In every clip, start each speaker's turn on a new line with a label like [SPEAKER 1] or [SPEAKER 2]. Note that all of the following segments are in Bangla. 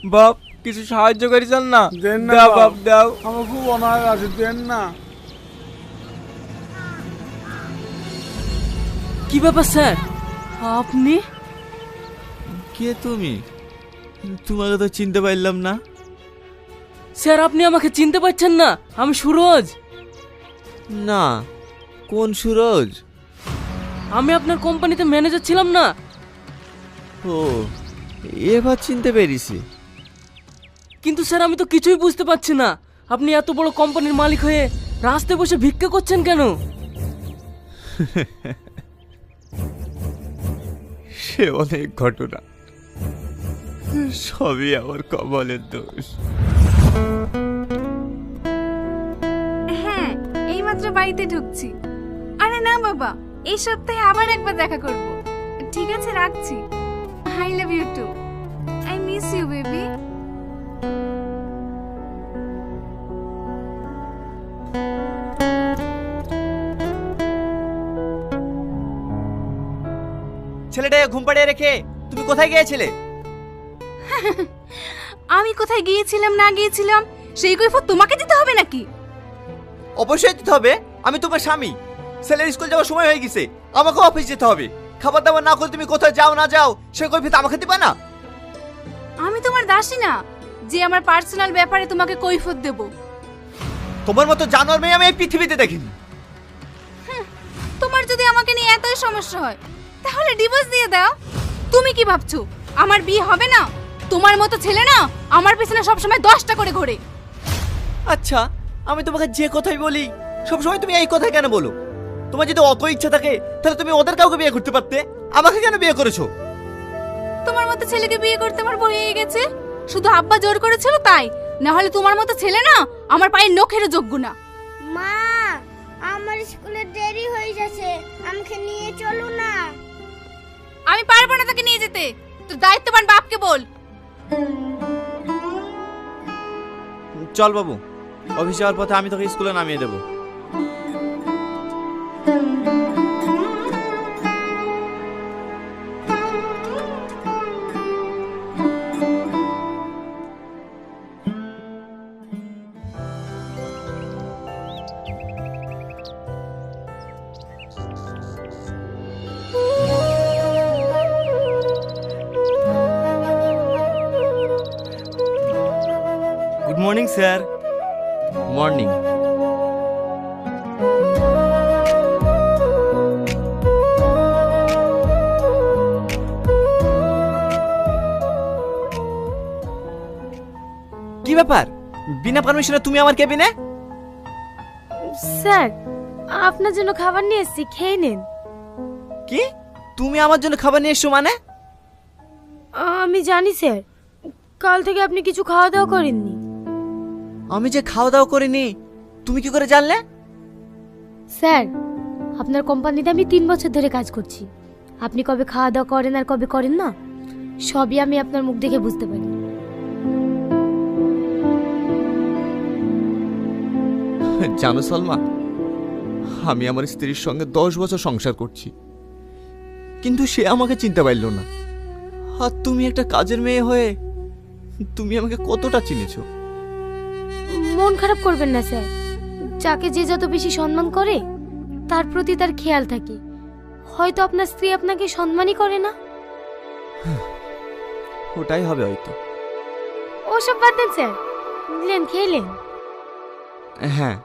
[SPEAKER 1] বাপ কিছু সাহায্য করেছেন না?
[SPEAKER 2] দেন না
[SPEAKER 1] দাও
[SPEAKER 2] বাপ।
[SPEAKER 1] বাপ দাও।
[SPEAKER 2] আমার খুব অনাহার আছে, দেন না।
[SPEAKER 3] কি ব্যাপার স্যার, আপনি?
[SPEAKER 1] কে তুমি? তোমাকে তো চিনতে পারলাম না।
[SPEAKER 3] স্যার আপনি আমাকে চিনতে পারছেন না? আমি সুরজ।
[SPEAKER 1] না, কোন সুরজ?
[SPEAKER 3] আমি আপনার কোম্পানিতে ম্যানেজার ছিলাম না?
[SPEAKER 1] ও, এবার চিনতে পেরেছি।
[SPEAKER 3] কিন্তু স্যার আমি তো কিছুই বুঝতে পারছি না, আপনি এত বড় কোম্পানির মালিক হয়ে রাস্তায় বসে ভিক্ষা করছেন কেন?
[SPEAKER 1] সে অনেক ঘটনা, সবই আমার কপালের দোষ।
[SPEAKER 4] হ্যাঁ, এইমাত্র বাড়িতে ঢুকছি। আরে না বাবা, এই সপ্তাহে আবার একবার দেখা করব। ঠিক আছে, রাখছি। I love you too. I miss you baby.
[SPEAKER 1] ছেলেটাকে ঘুম পাড়িয়ে রেখে তুমি কোথায় গিয়েছিলে?
[SPEAKER 4] আমি কোথায় গিয়েছিলাম না গিয়েছিলাম সেই কৈফিয়ত তোমাকে দিতে হবে নাকি?
[SPEAKER 1] অবশ্যই দিতে হবে, আমি তোমার স্বামী। ছেলের স্কুল যাওয়ার সময় হয়ে গেছে, আমাকে অফিস যেতে হবে। খাবার দাবার না করে তুমি কোথায় যাও না যাও সে কৈফিয়ত আমাকে দিবা না?
[SPEAKER 4] আমি তোমার দাসী না যে আমার পার্সোনাল ব্যাপারে তোমাকে কৈফিয়ত দেব।
[SPEAKER 1] তোমার মতো জানোয়ার মেয়ে আমি এই পৃথিবীতে দেখিনি।
[SPEAKER 4] তোমার যদি আমাকে নিয়ে এতই সমস্যা হয় তাহলে ডিভোর্স দিয়ে দাও। তুমি কি ভাবছো আমার বিয়ে হবে না? তোমার মতো ছেলে না আমার পিছনে সবসময় 10টা করে ঘোরে।
[SPEAKER 1] আচ্ছা, আমি তোমাকে যে কথাই বলি সবসময় তুমি এই কথা কেন বলো? তোমার যদি অত ইচ্ছা থাকে তাহলে তুমি ওদের কাউকে বিয়ে করতে পারতে, আমাকে কেন বিয়ে করেছো?
[SPEAKER 4] তোমার মতো ছেলেকে বিয়ে করতে আমার ভয় হয়ে গেছে। শুধু আব্বা জোর করেছিল তাই, না হলে তোমার মতো ছেলে না আমার পায়ের নখেরও যোগ্য না।
[SPEAKER 5] মা, আমার স্কুলে দেরি হয়ে যাচ্ছে, আমাকে নিয়ে চলো না।
[SPEAKER 4] আমি পারবো না তাকে নিয়ে যেতে, তোর দায়িত্ববান বাপকে বল।
[SPEAKER 1] চল বাবু, অফিস যাওয়ার পথে আমি তোকে স্কুলে নামিয়ে দেবো। Good morning sir. মর্নিং। কি ব্যাপার, বিনা পারমিশনে তুমি আমার কেবিনে?
[SPEAKER 5] স্যার, আপনার জন্য খাবার নিয়ে এসেছি, খেয়ে নিন।
[SPEAKER 1] কি, তুমি আমার জন্য খাবার নিয়ে এসছো মানে?
[SPEAKER 5] আমি জানি স্যার, কাল থেকে আপনি কিছু খাওয়া দাওয়া করেননি।
[SPEAKER 1] আমি যে খাওয়া দাওয়া করিনি তুমি কি করে জানলে?
[SPEAKER 5] স্যার, আপনার কোম্পানিতে আমি 3 বছর ধরে কাজ করছি। আপনি কবে খাওয়া দাওয়া করেন আর কবে করেন না সবই আমি আপনার মুখ দেখে বুঝতে পারি।
[SPEAKER 1] জানো সলমা, আমি আমার স্ত্রীর সঙ্গে 10 বছর সংসার করছি, কিন্তু সে আমাকে চিনতে পারল না। আর তুমি একটা কাজের মেয়ে হয়ে তুমি আমাকে কতটা চিনেছো?
[SPEAKER 5] মন খারাপ করবেন না স্যার, যাকে যে যত বেশি সম্মান করে তার প্রতি তার খেয়াল থাকে। হয়তো আপনার স্ত্রী আপনাকে সম্মানই করে না।
[SPEAKER 1] ওটাই হবে হয়তো।
[SPEAKER 5] ওসব বাদ দেন স্যার, নিলেন খেলেন।
[SPEAKER 1] হ্যাঁ।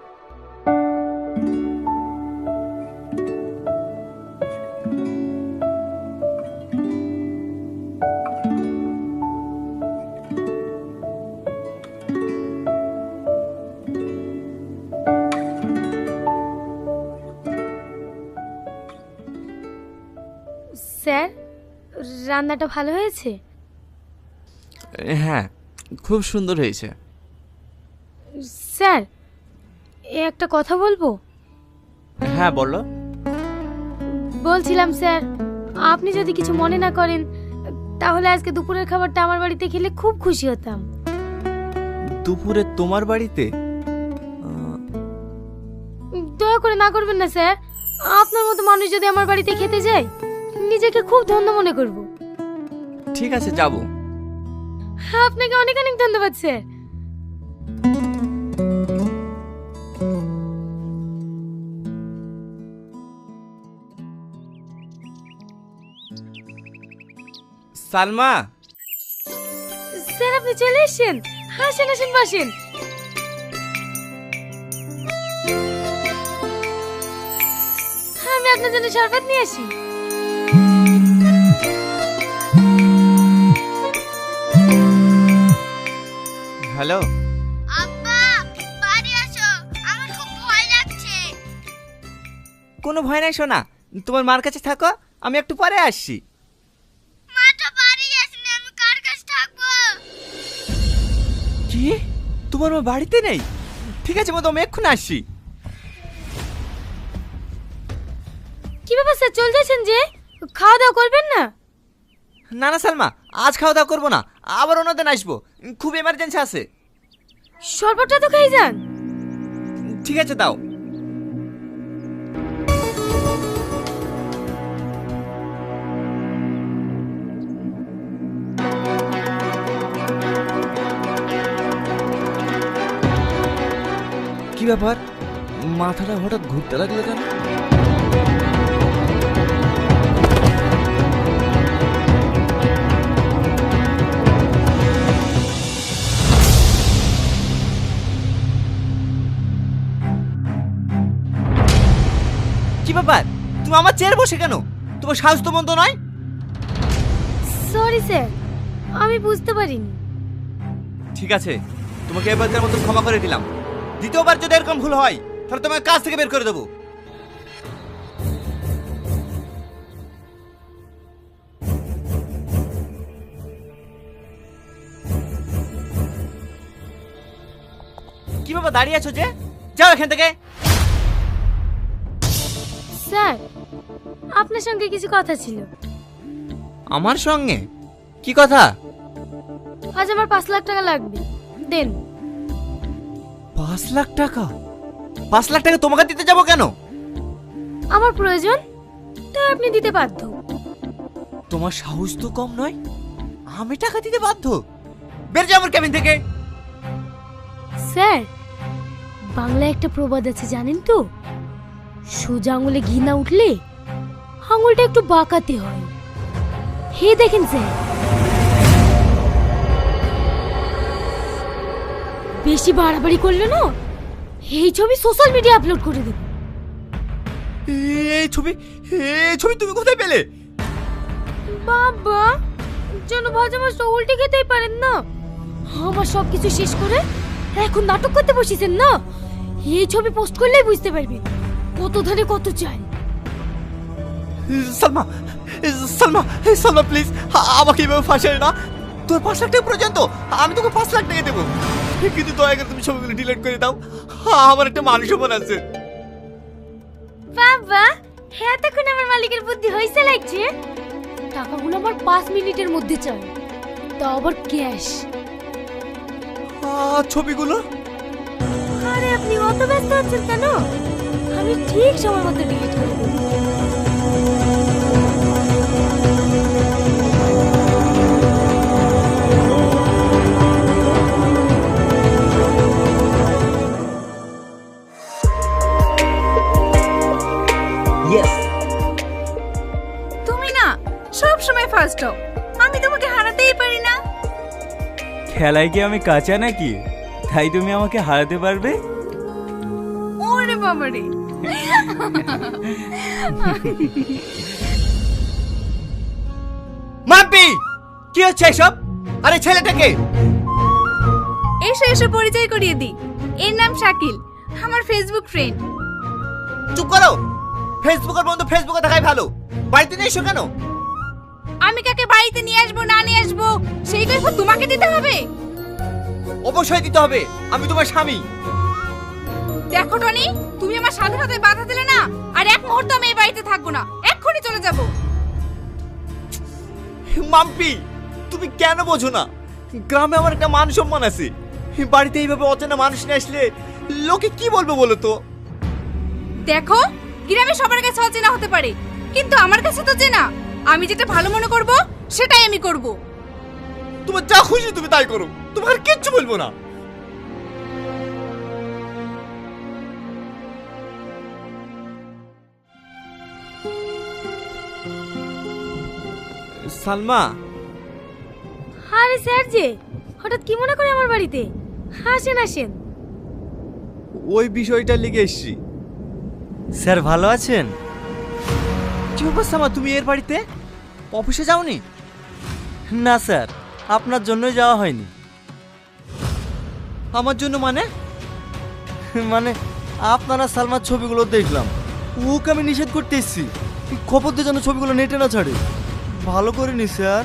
[SPEAKER 5] স্যার, রান্নাটা ভালো হয়েছে?
[SPEAKER 1] হ্যাঁ, খুব সুন্দর হয়েছে।
[SPEAKER 5] স্যার, একটা কথা বলবো?
[SPEAKER 1] হ্যাঁ বলো।
[SPEAKER 5] বলছিলাম স্যার, আপনি যদি কিছু মনে না করেন তাহলে আজকে দুপুরের খাবারটা আমার বাড়িতে খেলে খুব খুশি হতাম।
[SPEAKER 1] দুপুরে তোমার বাড়িতে?
[SPEAKER 5] দয়া করে না করবেন না স্যার, আপনার মতো মানুষ যদি আমার বাড়িতে খেতে যায় নিজেকে খুব ধন্য মনে করব।
[SPEAKER 1] ঠিক আছে, যাব।
[SPEAKER 5] আপনাকে অনেক অনেক ধন্যবাদ স্যার।
[SPEAKER 1] সালমা,
[SPEAKER 5] স্যার আপনি চলে এসেছেন, আসেন আসেন বসেন। আমি আপনার জন্য শরবত নিয়ে আসি।
[SPEAKER 1] হ্যালো।
[SPEAKER 5] আব্বা বাড়ি আসো, আমার খুব ভয় লাগছে।
[SPEAKER 1] কোনো ভয় নাই সোনা, তোমার মার কাছে থাকো, আমি একটু পরে আসছি।
[SPEAKER 5] মাটা বাড়ি আসেনি, আমি কার কাছে থাকবো?
[SPEAKER 1] কি, তোমার মা বাড়িতে নেই? ঠিক আছে মা, আমি এক্ষুনি আসছি।
[SPEAKER 5] কি ব্যাপার স্যার, চলে যাচ্ছেন যে? খাওয়া দাওয়া করবেন না?
[SPEAKER 1] না না সালমা, আজ খাওয়া দাওয়া করবো না, আবার অন্যদিন আসবো, খুব এমার্জেন্সি আছে।
[SPEAKER 5] শরবতটা তো খেয়ে যান।
[SPEAKER 1] ঠিক আছে দাও। কি ব্যাপার, মাথাটা হঠাৎ ঘুরতে লাগলো কেন? কি ব্যাপার, তুমি আমার চেয়ারে বসে কেন? তোমার সাহস তো মন্দ নয়।
[SPEAKER 5] সরি স্যার, আমি বুঝতে পারিনি।
[SPEAKER 1] ঠিক আছে, তোমাকে এবারকার মতো ক্ষমা করে দিলাম। দ্বিতীয়বার যদি এরকম ভুল হয় তাহলে তোমাকে কাজ থেকে বের করে দেবো। কি বাবা দাঁড়িয়ে আছো যে? যাও এখান থেকে।
[SPEAKER 5] স্যার আপনার সঙ্গে কিছু কথা ছিল।
[SPEAKER 1] আমার সঙ্গে? কি কথা?
[SPEAKER 5] আজ আমার 5 লাখ টাকা লাগবে, দেন।
[SPEAKER 1] 5 লাখ টাকা? 5 লাখ টাকা তোমাকে দিতে যাবো কেন?
[SPEAKER 5] আমার প্রয়োজন, তাই আপনি দিতে বাধ্য।
[SPEAKER 1] তোমার সাহস তো কম নয়, আমি টাকা দিতে বাধ্য? বের যাও আমার কেবিন থেকে।
[SPEAKER 5] স্যার বাংলায় একটা প্রবাদ আছে জানেন তো, সোজা আঙুলে ঘি না উঠলে আঙুলটা একটু বাঁকাতে হয়। হে দেখেন স্যার, বেশি বাড়াবাড়ি করলে না এই ছবি সোশ্যাল মিডিয়া আপলোড করে দেব।
[SPEAKER 1] এই ছবি তুমি কোথায় পেলে?
[SPEAKER 5] বাবা যেন ভাজা মাছটা উল্টে খেতেই পারেন না। আমার সবকিছু শেষ করে এখন নাটক করতে বসেছেন না, এই ছবি পোস্ট করলেই বুঝতে পারবেন কত ধারে কত চাই।
[SPEAKER 1] সালমা, সালমা প্লিজ আমাকে এভাবে ফাঁসাই না। তোর 5 লাখ টাকা প্রয়োজন তো, আমি তোকে 5 লাখ টাকা দেবো, কিন্তু দয়া করে তুমি ছবিগুলো ডিলিট করে দাও। আমার একটা মানুষ মন আছে।
[SPEAKER 5] বাবা হ্যাঁ, তখন আমার মালিকের বুদ্ধি হয়েছে লাগছে। টাকাগুলো আমার 5 মিনিটের মধ্যে চাই, তাও আবার ক্যাশ।
[SPEAKER 1] ছবিগুলো?
[SPEAKER 5] আরে আপনি অত ব্যস্ত আছেন কেন, আমি ঠিক সময় মতো ডিলিট করে দেব।
[SPEAKER 4] তুমি না সব সময় ফার্স্ট হও, আমি তোমাকে হারাতেই পারি না।
[SPEAKER 6] খেলায় কি আমি কাঁচা নাকি, তাই তুমি আমাকে হারাতে পারবে?
[SPEAKER 4] ওরে বাবারে,
[SPEAKER 1] মাম্পি কি হচ্ছে এসব? আরে ছেলেটাকে
[SPEAKER 4] এসো এসো পরিচয় করিয়ে দিই, এর নাম শাকিল, আমার ফেসবুক ফ্রেন্ড।
[SPEAKER 1] চুপ করো, ফেসবুকের বন্ধু ফেসবুকে থাকাই ভালো। বাড়িতে নিয়ে এসো কেন?
[SPEAKER 4] আমি কাকে বাড়িতে নিয়ে আসবো না নিয়ে আসবো সেই কৈফিয়ত তোমাকে দিতে হবে?
[SPEAKER 1] অবশ্যই দিতে হবে, আমি তোমার স্বামী।
[SPEAKER 4] দেখো টনি, তুমি আমার স্বাধীনতায় বাধা দিলে না, আর এক মুহূর্ত আমি এই বাড়িতে থাকবো না, এক্ষুনি চলে যাব।
[SPEAKER 1] মাম্পি তুমি কেন বোঝো না, গ্রামে আমার একটা মান সম্মান আছে। বাড়িতে এইভাবে অচেনা মানুষ নিয়ে আসলে লোকে কি বলবে বলো তো?
[SPEAKER 4] দেখো গ্রামে সবার কাছে অচেনা হতে পারে, কিন্তু আমার কাছে তো চেনা। আমি যেটা ভালো মনে করব সেটাই আমি করব।
[SPEAKER 1] তোমার যা খুশি তুমি তাই করো, তোমার আর কিচ্ছু বলবো না। সালমা,
[SPEAKER 5] আরে স্যার যে হঠাৎ কি মনে করে আমার বাড়িতে? আসেন আসেন।
[SPEAKER 1] ওই বিষয়টা লিখে এসছি।
[SPEAKER 6] স্যার ভালো আছেন?
[SPEAKER 1] কি ব্যাপার সালমা, তুমি এর বাড়িতে অফিসে যাওনি?
[SPEAKER 6] না স্যার, আপনার জন্যই যাওয়া হয়নি।
[SPEAKER 1] আমার জন্য মানে?
[SPEAKER 6] মানে আপনারা সালমার ছবিগুলো দেখলাম, ওকে আমি নিষেধ করতে এসেছি, খবর দিয়ে যেন ছবিগুলো নেটে না ছাড়ে। ভালো করিনি স্যার।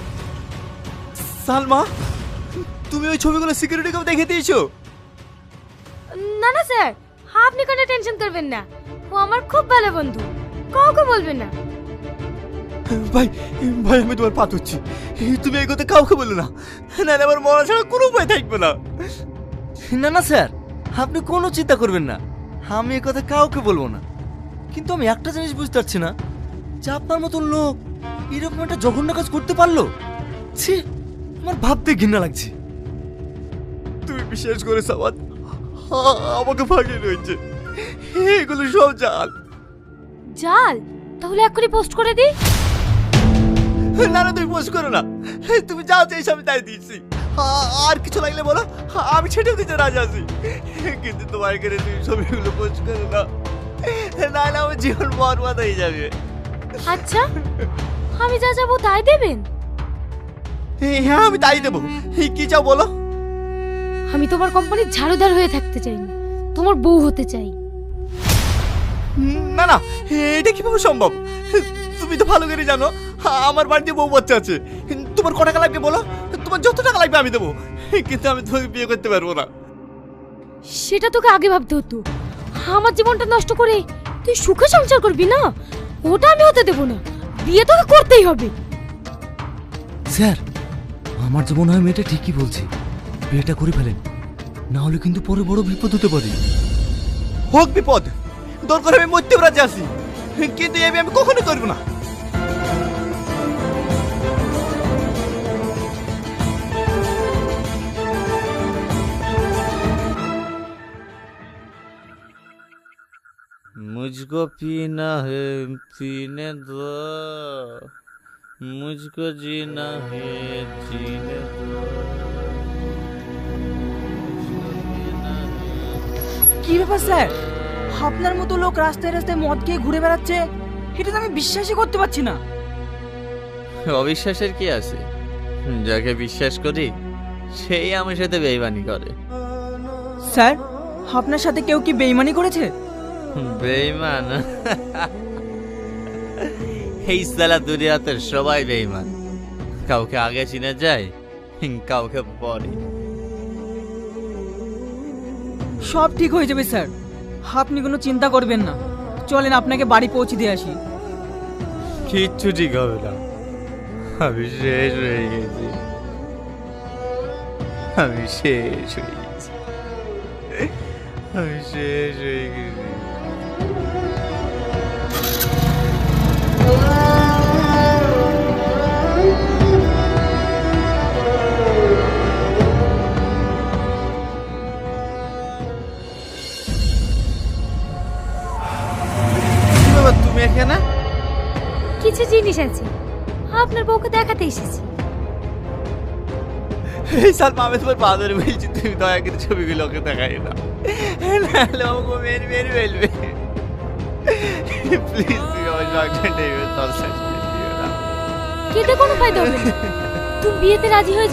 [SPEAKER 1] সালমা, তুমি ওই ছবিগুলো সিকিউরিটিকেও দেখে দিয়েছো?
[SPEAKER 5] না না স্যার, আপনি কোনো টেনশন করবেন না, ও আমার খুব ভালো বন্ধু, কাউকে বলবেন না।
[SPEAKER 1] ভাই ভাই, আমি তোমার পা ধরছি, তুমি এই কথা কাউকে বলো না, নাহলে আমার মরা ছাড়া কোনো উপায় থাকবে না।
[SPEAKER 6] না না স্যার, আপনি কোনো চিন্তা করবেন না, আমি এ কথা কাউকে বলবো না। কিন্তু আমি একটা জিনিস বুঝতে পারছি না, যে আপনার মতন লোক এরকম একটা জঘন্য কাজ করতে পারলো। ছি, আমার ভাবতে ঘৃণা লাগছে।
[SPEAKER 1] তুমি বিশেষ করে সাবাদ আমাকে ফাঁকিয়ে রয়েছে, এগুলো সব জাল।
[SPEAKER 5] জাল? তাহলে এক্ষুনি পোস্ট করে দিই।
[SPEAKER 1] না না, তুমি পোস্ট করো না, তুমি যা চাইছো আমি তাই দিয়েছি। আর কিছু লাগলে বলো, আমি ছেড়ে দিতে রাজি আছি, কিন্তু তোমার এখানে তুমি ছবিগুলো পোস্ট করো না, নাহলে আমার জীবন বরবাদ হয়ে যাবে।
[SPEAKER 5] আচ্ছা, আমি যা যাবো তাই দেবেন?
[SPEAKER 1] হ্যাঁ, আমি তাই দেবো। কি চাও বলো?
[SPEAKER 5] আমি তোমার কোম্পানির ঝাড়ুদার হয়ে থাকতে চাই না, তোমার বউ হতে চাই।
[SPEAKER 1] না না, এটা কিভাবে সম্ভব? তুমি তো ভালো করে জানো আমার বাড়িতে বউ বাচ্চা আছে। তোমার কত টাকা লাগবে বলো, তোমার যত টাকা লাগবে আমি দেবো, কিন্তু আমি তোমাকে বিয়ে করতে পারবো না।
[SPEAKER 5] সেটা তোকে আগে ভাবতে হতো। আমার জীবনটা নষ্ট করে তুই সুখে সংসার করবি না, ওটা আমি হতে দেবো না। বিয়ে তোকে করতেই হবে।
[SPEAKER 6] স্যার, আমার যে মনে হয় মেয়েটা ঠিকই বলছে, বিয়েটা করে ফেলেন, না হলে কিন্তু পরে বড় বিপদ হতে পারে।
[SPEAKER 1] হোক বিপদ, দরকার আমি মরতেও রাজি আছি, কিন্তু এই বিয়ে আমি কখনো করবো না।
[SPEAKER 7] मुझको पीना है पीने दो, मुझको जीना है जीने दो, मुझको पीना है।
[SPEAKER 8] কি ব্যাপার স্যার, আপনার মতো লোক রাস্তায় রাস্তায় মদ খেয়ে ঘুরে বেড়াচ্ছে, এটা তো আমি বিশ্বাসই করতে পারছি না।
[SPEAKER 7] অবিশ্বাসের কি আছে? যাকে বিশ্বাস করি সেই আমার সাথে বেইমানি করে।
[SPEAKER 8] স্যার, আপনার সাথে কেউ কি বেইমানি করেছে?
[SPEAKER 7] বেইমান? এই সালা দুনিয়াতে সবাই বেইমান, কাউকে আগে চিনে যায়, কাউকে পরে।
[SPEAKER 8] সব ঠিক হয়ে যাবে স্যার, আপনি কোনো চিন্তা করবেন না। চলেন আপনাকে বাড়ি পৌঁছে দিয়ে আসি।
[SPEAKER 7] কিচ্ছু ঠিক হবে না, আমি শেষ হয়ে গেছি, আমি শেষ হয়ে গেছি, আমি শেষ হয়ে গেছি।
[SPEAKER 1] কি বাবা, তুমি এখানে?
[SPEAKER 5] কিছু জিনিস আছে, আপনার বউকে দেখাতে এসেছি।
[SPEAKER 1] এই সালমা, আমি তোমার পা ধরে বলছি, তুমি দয়া করে ছবিগুলো ওকে দেখাই না, নাহলে আমাকে মেরে মেরে ফেলবে। প্লিজ, তুমি আমার সংসারটা এইভাবে তলসাজ করে দিও না।
[SPEAKER 5] কেটে কোনো ফায়দা হবে না, তুমি বিয়েতে রাজি হয়ে